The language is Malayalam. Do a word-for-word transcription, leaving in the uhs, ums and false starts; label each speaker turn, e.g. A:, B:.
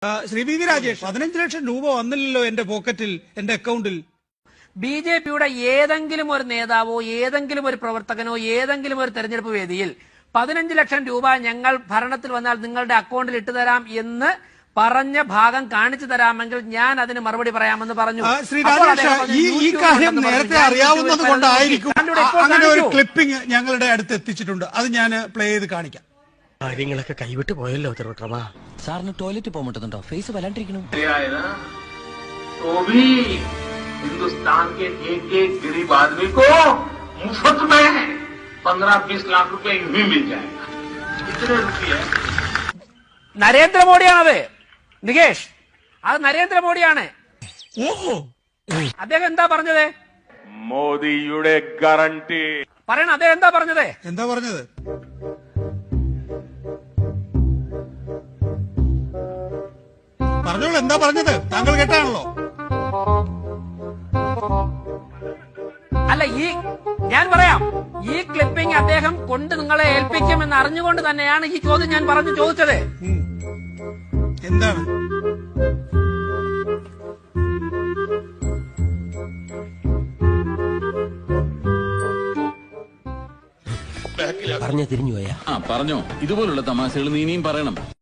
A: ശ്രീ വി വി രാജേഷ്, പതിനഞ്ച് ലക്ഷം രൂപ വന്നില്ലല്ലോ എന്റെ പോക്കറ്റിൽ, എന്റെ അക്കൗണ്ടിൽ.
B: ബി ജെ പിയുടെ ഏതെങ്കിലും ഒരു നേതാവോ ഏതെങ്കിലും ഒരു പ്രവർത്തകനോ ഏതെങ്കിലും ഒരു തെരഞ്ഞെടുപ്പ് വേദിയിൽ പതിനഞ്ച് ലക്ഷം രൂപ ഞങ്ങൾ ഭരണത്തിൽ വന്നാൽ നിങ്ങളുടെ അക്കൗണ്ടിൽ ഇട്ടുതരാം എന്ന് പറഞ്ഞ ഭാഗം കാണിച്ചു തരാമെങ്കിൽ ഞാൻ അതിന് മറുപടി പറയാമെന്ന് പറഞ്ഞു.
A: ശ്രീ രാജേഷ്, ഈ കാര്യം നേരത്തെ അറിയാവുന്നത് കൊണ്ടായിരിക്കും അങ്ങനെ ഒരു ക്ലിപ്പിംഗ് ഞങ്ങളുടെ അടുത്ത് എത്തിച്ചിട്ടുണ്ട്. അത് ഞാൻ പ്ലേ ചെയ്ത് കാണിക്കാം.
C: കാര്യങ്ങളൊക്കെ കൈവിട്ട് പോയല്ലോ തിരുവട്ടമ.
D: സാറിന് ടോയ്ലറ്റ് പോകാൻ പറ്റുന്നുണ്ടോ? ഫേസ് വല്ലാണ്ടിരിക്കണം.
E: हिंदुस्तान के एक एक गरीब आदमी को मुफ्त में पंद्रह बीस लाख रुपए यूं ही मिल जाएगा. कितने रुपये?
B: നരേന്ദ്രമോദിയാണത് നികേഷ്, അത് നരേന്ദ്രമോദിയാണ്. അദ്ദേഹം എന്താ പറഞ്ഞത്?
E: മോദിയുടെ ഗ്യാരണ്ടി
B: പറയണ. അദ്ദേഹം എന്താ പറഞ്ഞത്?
A: എന്താ പറഞ്ഞത്? പറഞ്ഞോളൂ, എന്താ പറഞ്ഞത്? താങ്കൾ കേട്ടാണല്ലോ.
B: അല്ല, ഈ ഞാൻ പറയാം, ഈ ക്ലിപ്പിംഗ് അദ്ദേഹം കൊണ്ട് നിങ്ങളെ ഏൽപ്പിക്കുമെന്ന് അറിഞ്ഞുകൊണ്ട് തന്നെയാണ് ഈ ചോദ്യം ഞാൻ പറഞ്ഞു ചോദിച്ചത്.
A: എന്താണ്?
D: പറഞ്ഞു തിരിഞ്ഞു പോയാ
F: പറഞ്ഞോ. ഇതുപോലുള്ള തമാശകൾ നീ ഇനിയും പറയണം.